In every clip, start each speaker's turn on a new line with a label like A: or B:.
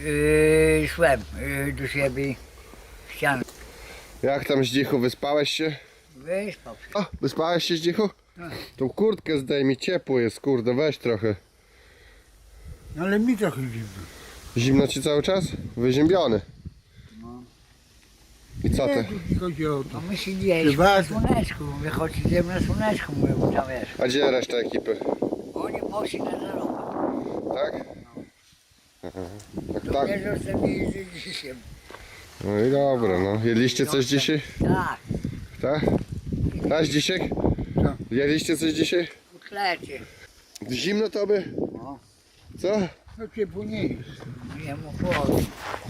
A: Szłem do siebie. Ścianę.
B: Jak tam Zdzichu, wyspałeś się?
A: Wyspał się.
B: O, wyspałeś się Zdzichu?
A: Tak.
B: Tą kurtkę zdejmij, ciepło jest, kurde, weź trochę.
A: No ale mi trochę zimno.
B: Zimno ci cały czas? Wyziębiony.
A: No.
B: I co ty?
A: Nie chodzi o to. No my siedzieliśmy na słoneczku. Mówię, chodź idziemy na słoneczku, mówię, bo tam wiesz.
B: A gdzie reszta ekipy?
A: Oni poszli na zarobę.
B: Tak? Aha. Tak,
A: To
B: tak.
A: mnie zostawili z dzisiaj.
B: No i dobra, no. Jedliście coś dzisiaj?
A: Tak,
B: Tak? Tak, dzisiaj?
A: Co?
B: Jedliście coś dzisiaj?
A: kotlecie.
B: Zimno tobie?
A: No.
B: Co?
A: No ciepło nie jest. Nie mu chłodno.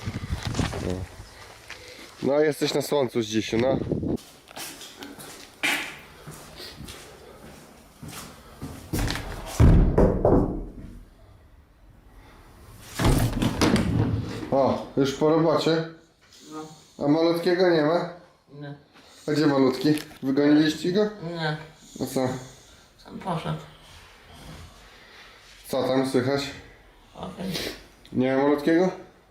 B: No jesteś na słońcu z dzisiaj, no. O, już po robocie?
C: No.
B: A malutkiego nie ma?
C: Nie.
B: A gdzie malutki? Wygoniliście go?
C: Nie.
B: No co?
C: Sam poszedł.
B: Co tam słychać?
C: Okej.
B: Nie ma malutkiego?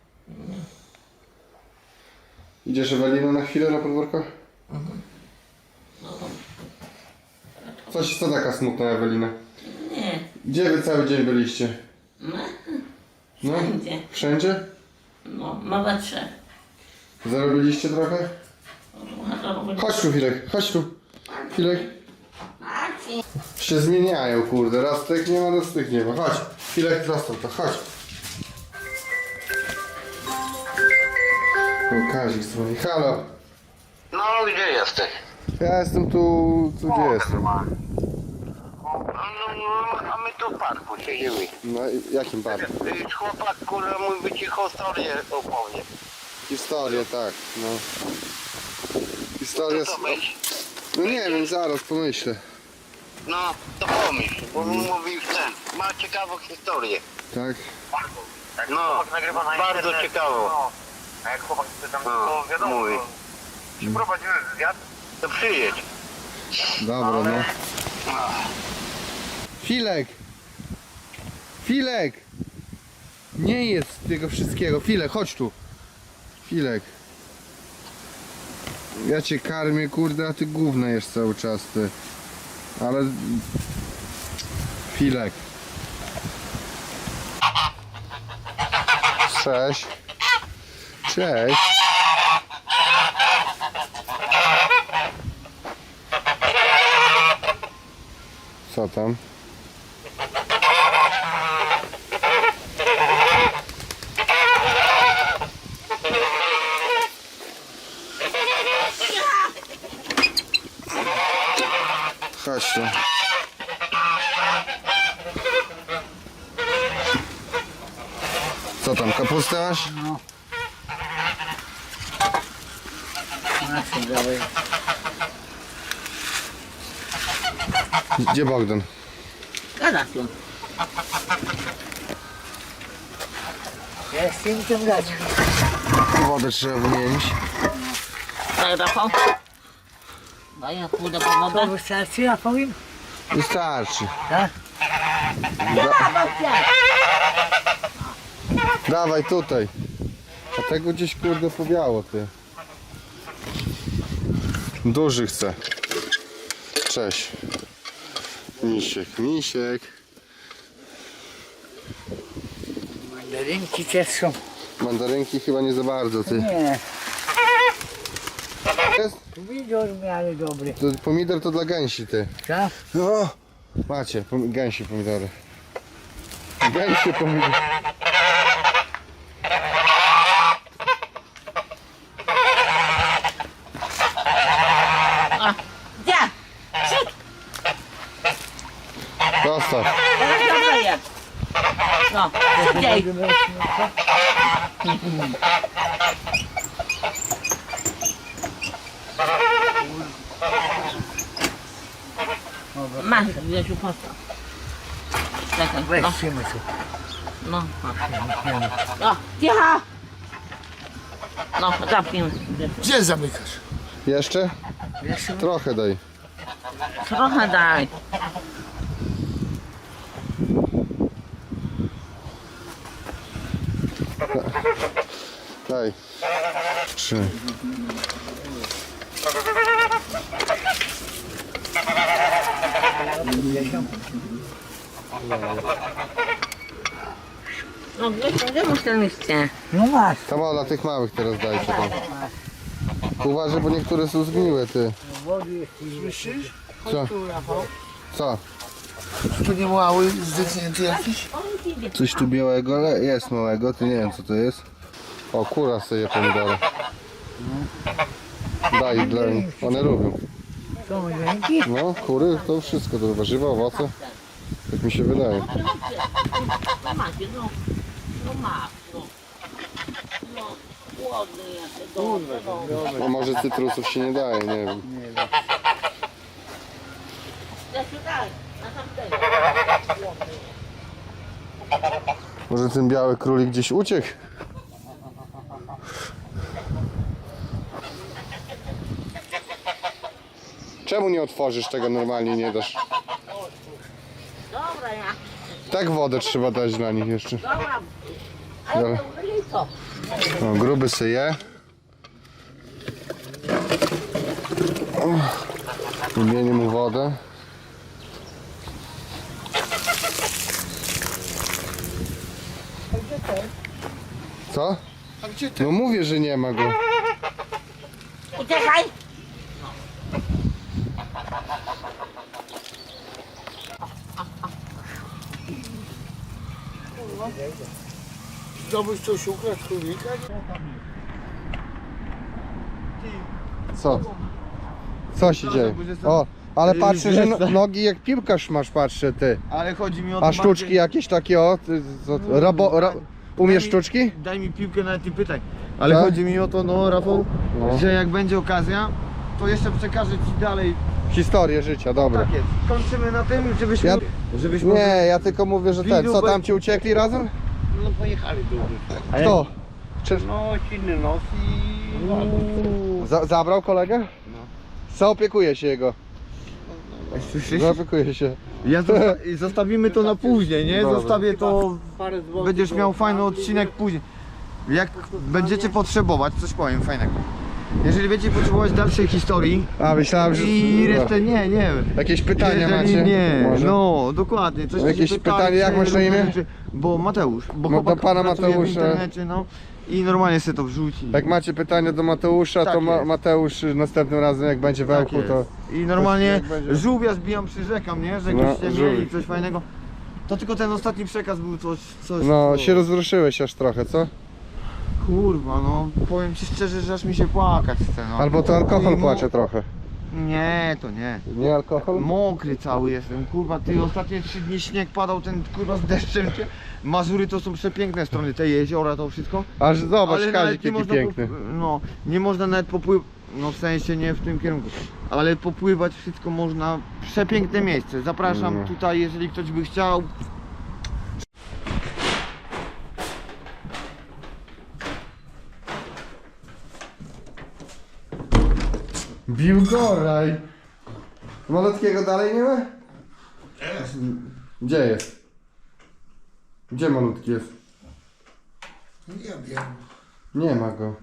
B: Idziesz Ewelino na chwilę na podwórko?
C: No.
B: Co taka smutna Ewelina?
C: Nie.
B: Gdzie wy cały dzień byliście?
C: No.
B: No?
C: Wszędzie.
B: Wszędzie?
C: No. Małe trzech.
B: Zarobiliście trochę? Chodź tu Filek, chodź tu. Filek. Się zmieniają, kurde. Raz tych nie ma, raz tych nie ma. Chodź. Filek, zostaw to, chodź. O, Kazik dzwoni. Halo.
D: No, gdzie jesteś?
B: Ja jestem tu, gdzie jestem.
D: No, a my tu w parku siedzimy.
B: No i jakim barwem?
D: Chłopak, kurwa, mój by ci historię opowie.
B: Historię, tak, no. Historia...
D: Co to myśl?
B: No nie wiem, zaraz pomyślę.
D: No, to pomyśl, bo mówił ten. Ma ciekawą historię.
B: Tak?
D: No, bardzo ciekawą.
E: A jak chłopak tam
D: No,
E: to wiadomo,
D: mówi.
E: to przeprowadziłem wywiad.
D: To przyjedź.
B: Dobra, no. Filek! Filek! Nie jest tego wszystkiego. Filek, chodź tu. Filek. Ja cię karmię, kurde, a ty gówno jesz cały czas, ty. Ale... Filek. Cześć. Cześć. Co tam? Chodź tu. Co tam, kapustę masz?
A: No. Znaczy, dawaj.
B: Gdzie Bogdan?
C: Gada tu.
A: Ja z tym tym dać.
B: Wodę trzeba wymienić.
C: Daj Rafał. Daj, ja pójdę po
A: To
C: wodę.
A: wystarczy, ja powiem?
B: Wystarczy.
A: Tak?
B: Dawaj tutaj. A tego gdzieś kurde powiało, ty. Duży chce. Cześć. Misiek, misiek.
A: Mandarynki też są.
B: Mandarynki chyba nie za bardzo, ty.
A: Nie,
B: Jest?
A: pomidor w miarę dobry.
B: To pomidor to dla gęsi, ty.
A: Tak?
B: No. Macie, gęsi pomidory. Gęsi pomidory.
C: Gdzie?
B: Zostaw.
C: Teraz dodaję. No, szybciej. Masz, Grzesiu, postaw. Czekaj,
A: Weź
C: no,
A: trzymaj tu.
C: no. No, cicho! No, zamknij.
A: Gdzie zamykasz?
B: Jeszcze?
A: Jeszcze
B: Trochę daj.
C: Trochę daj.
B: Daj. 3.
C: No gdzie masz ten liście?
A: No masz.
B: Tam o, dla tych małych teraz dajcie tam. Uważaj, bo niektóre są zgniłe, ty.
A: Słyszysz?
B: Co? Co?
A: Tu nie mały, zdechnięty jakiś?
B: Coś tu białego, ale jest małego, ty nie wiem co to jest. O, kura sobie pomidory. Daj, dla nich. One lubią.
A: Są ręki?
B: No, kury to wszystko, to warzywa, owoce. Tak mi się wydaje.
C: No macie, no. No masz, no. No, głodny jesteś, dobrze, no.
B: A może cytrusów się nie daje, nie wiem.
C: Jasiu, daj, na tamtego. Głodny.
B: Może ten biały królik gdzieś uciekł? Czemu nie otworzysz tego normalnie, nie dasz?
C: Dobra, ja.
B: Tak wodę trzeba dać dla nich jeszcze.
C: Dobra. Ale to użyli co?
B: No, gruby syje. Wymienię mu wodę. Co? No mówię, że nie ma go.
C: Uciekaj!
A: Chciałbyś coś ukraść królika?
B: Co? Co się dzieje? O, ale patrzę, że nogi jak piłkarz masz, patrzę ty.
F: Ale chodzi mi o to
B: A sztuczki jakieś takie o? Ty, umiesz sztuczki?
F: Daj mi piłkę, nawet nie pytaj. Ale
B: Tak?
F: chodzi mi o to, no Rafał,
B: No.
F: że jak będzie okazja, to jeszcze przekażę ci dalej.
B: Historię życia, dobra.
F: Tak jest. Kończymy na tym, żebyśmy...
B: Ja-
F: żebyśmy...
B: Nie, ja tylko mówię, że ten, co tam ci uciekli razem?
E: No pojechali do
B: Kto? Czy...
E: No, silny nos i...
B: Zabrał kolegę? Co opiekuje się jego?
F: Słyszysz?
B: Zaopiekuje się.
F: I zostawimy to na później, nie?
B: Dobra.
F: Zostawię to... Będziesz miał fajny odcinek później. Jak będziecie potrzebować, coś powiem fajnego. Jeżeli będziecie potrzebować dalszej historii
B: A, myślałem, że...
F: i resztę nie.
B: Jakieś pytania
F: Jeżeli
B: macie?
F: nie,
B: Może?
F: no dokładnie. Coś
B: Jakieś
F: się pytali,
B: pytanie, jak masz na imię?
F: Bo Mateusz, bo
B: No,
F: chłopak
B: do pana
F: pracuje
B: Mateusza.
F: w internecie, no i normalnie sobie to wrzuci.
B: Jak macie pytania do Mateusza,
F: Tak
B: to
F: jest.
B: Mateusz następnym razem jak będzie w
F: Tak
B: Ełku, to...
F: jest. I normalnie
B: jak będzie-
F: żółwia zbijam, przyrzekam, nie? Że
B: No,
F: jakbyście mieli
B: żółw.
F: coś fajnego. To tylko ten ostatni przekaz był coś
B: No,
F: co-
B: się rozruszyłeś aż trochę, co?
F: Kurwa, no powiem ci szczerze, że aż mi się płakać chce, no.
B: Albo to alkohol
F: I
B: płacze trochę.
F: Nie, to nie.
B: Nie alkohol?
F: Mokry cały jestem, kurwa, ty ostatnie 3 dni śnieg padał, ten kurwa z deszczem. Mazury to są przepiękne strony, te jeziora, to wszystko.
B: Aż zobacz,
F: Ale
B: Kazik
F: nawet nie
B: jaki
F: można
B: piękny.
F: no, nie można nawet popływać, no w sensie nie w tym kierunku, ale popływać wszystko można, przepiękne miejsce. Zapraszam
B: No.
F: tutaj, jeżeli ktoś by chciał.
B: Biłgoraj! Malutkiego dalej nie ma? Jest. Gdzie jest? Gdzie malutki jest?
A: Nie wiem.
B: Nie ma go.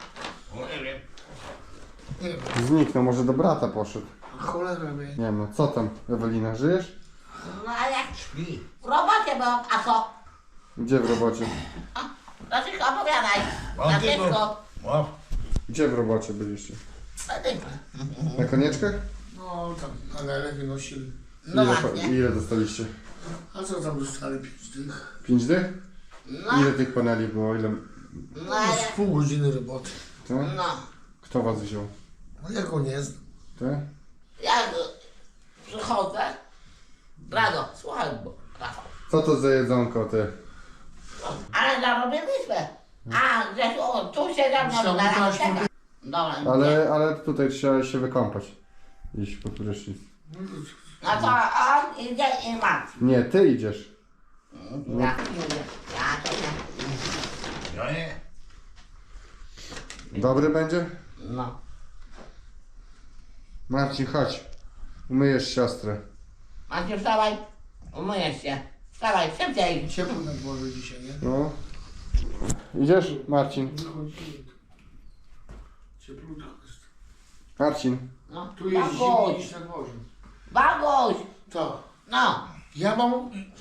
A: Nie wiem.
B: Zniknął, może do brata poszedł.
A: Cholera wie.
B: Nie ma. Co tam, Ewelina, żyjesz?
C: No ale w robocie byłam, a co?
B: Gdzie w robocie?
C: Dlaczego opowiadaj? Na wszystko.
B: Gdzie w robocie byliście?
C: Na tym.
B: Na konieczkach?
A: No tam, ale lepiej nosili.
C: No
B: Ile,
C: właśnie.
B: ile dostaliście?
A: A co tam dostali 5 dych?
B: 5 dych?
C: No,
B: Ile tych paneli było? Ile?
C: no ale...
A: Z pół godziny roboty.
B: Co?
C: No.
B: Kto was wziął?
A: No jak go nie znam.
B: Ty?
C: Ja przychodzę. Rado, słuchaj, bo Rafał.
B: Co to za jedzonko, ty?
C: Ale zarobiliśmy. A, Grzesiu, o, tu się za mną
A: Chciałbym
C: na
A: teraz
C: czeka. Dobra, nie.
B: Ale tutaj trzeba się wykąpać. Iść po prysznic.
C: No to on idzie i martwi.
B: Nie, ty idziesz.
C: Ja nie idę. Ja to nie.
E: Ja nie.
B: Dobry będzie?
C: No.
B: Marcin, chodź. Umyjesz siostrę.
C: Macie, wstawaj. Umyjesz się. Wstawaj, szybciej.
A: Ciepło na dworze dzisiaj, nie?
B: No. Idziesz, Marcin? Marcin.
C: No,
E: Tu jest zimniej niż na dworze.
C: Bagoś!
E: Co?
C: No,
E: Ja mam...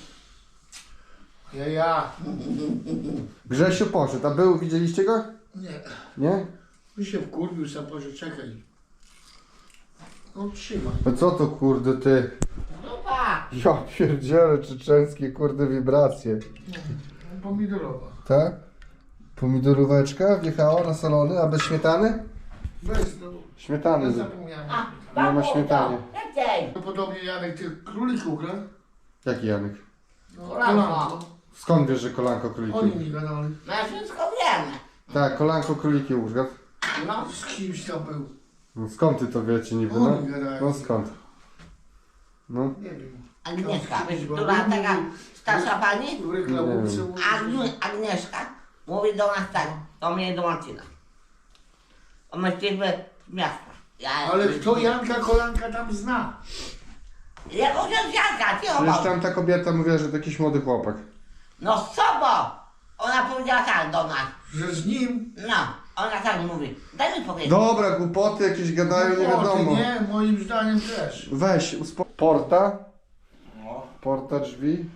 E: Ja.
B: Grzesiu poszedł, a był, widzieliście go?
E: Nie.
B: Nie?
E: Mi się wkurwił, sam Boże, czekaj. No trzymaj.
B: A co to kurde ty?
C: dupa!
B: Ja pierdzielę, czeczeńskie kurde wibracje.
E: Pomidorowa.
B: Tak? Pomidoróweczka wjechała na salony, a bez śmietany?
E: Bez, no.
B: Śmietany.
E: Ja zapomniałem.
C: A,
B: Nie ma
C: bagoś,
B: śmietany.
C: to, Leciej!
E: To podobnie Janek tych królików gra.
B: Jaki Janek?
E: No,
C: Kolanko.
B: Skąd wiesz, że kolanko
E: Oni
B: króliki?
E: mi gadali.
C: My wszystko wiemy.
B: Tak, kolanko króliki użgadł.
C: No,
E: Z kimś tam był.
B: No skąd ty to wiecie niby, no?
E: Oni gadają.
B: No skąd? No.
E: Nie wiem.
C: Agnieszka, wiesz, która taka starsza pani?
E: W reklamówce mówi,
C: Agnieszka mówi do nas tak, do mnie i do Marcina. O, my jesteśmy z miasta.
E: ale kto Janka Kolanka tam zna?
C: Jaką książkę, ty
B: Przecież
C: obok.
B: tam ta kobieta mówiła, że to jakiś młody chłopak.
C: No z sobą! Ona powiedziała tak do nas.
E: Że z nim?
C: No, ona tak mówi. Daj mi powiedzieć.
B: Dobra, głupoty jakieś gadają, nie wiadomo.
E: Nie, moim zdaniem też.
B: Weź, porta. Porta drzwi.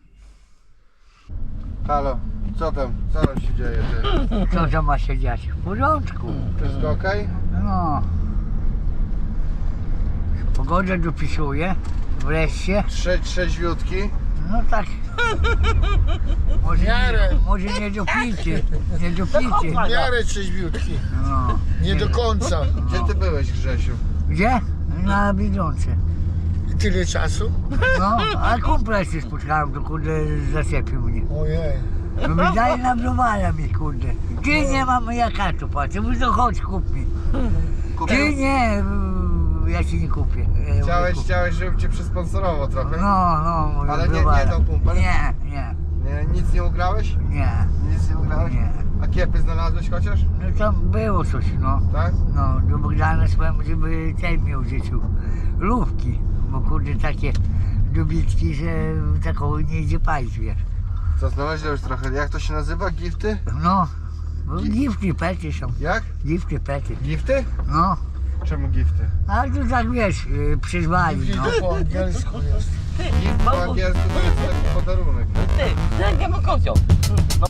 B: Halo, co tam? Co tam się dzieje ty?
A: Co to ma się dziać? W porządku.
B: Wszystko okej?
A: No. Pogodę dopisuje. Wreszcie.
B: Trzeźwiutki.
A: No tak. Może
E: miarę.
A: może nie dopijcie. Nie dopijcie.
E: W miarę trzeźwiutki.
A: No.
E: Nie do końca.
B: Gdzie ty byłeś, Grzesiu?
A: Gdzie? Na Bidące.
E: I tyle czasu?
A: No, a kumpla się spotkałem, to kurde zaczepił mnie.
E: Ojej.
A: No mi dali na browara mi kurde. Ty nie mam jaka tu płacę, mówię to chodź kup mi. Ty nie, ja ci nie kupię.
B: Chciałeś, żebym cię przysponsorował trochę?
A: No, mówię,
B: Ale nie
A: browara.
B: dał kumpel?
A: Nie.
B: Nie, nic nie ugrałeś? Nic nie ugrałeś?
A: Nie.
B: A kiepy znalazłeś chociaż?
A: No tam było coś, no.
B: Tak?
A: No, do Bogdana swojemu, żeby ten miał w życiu. Lówki, bo kurde takie dobitki, że taką nie idzie palić, wiesz.
B: Co znalazłeś już trochę? Jak to się nazywa? Gifty?
A: No, gifty pety są,
B: Jak?
A: gifty pety,
B: Gifty?
A: no.
B: Czemu gifty?
A: A tu tak wiesz, przyzwali,
E: Gdzie
A: no.
E: to po angielsku jest?
B: Gift po angielsku to jest taki podarunek.
C: Ty, jak ja mam kocioł.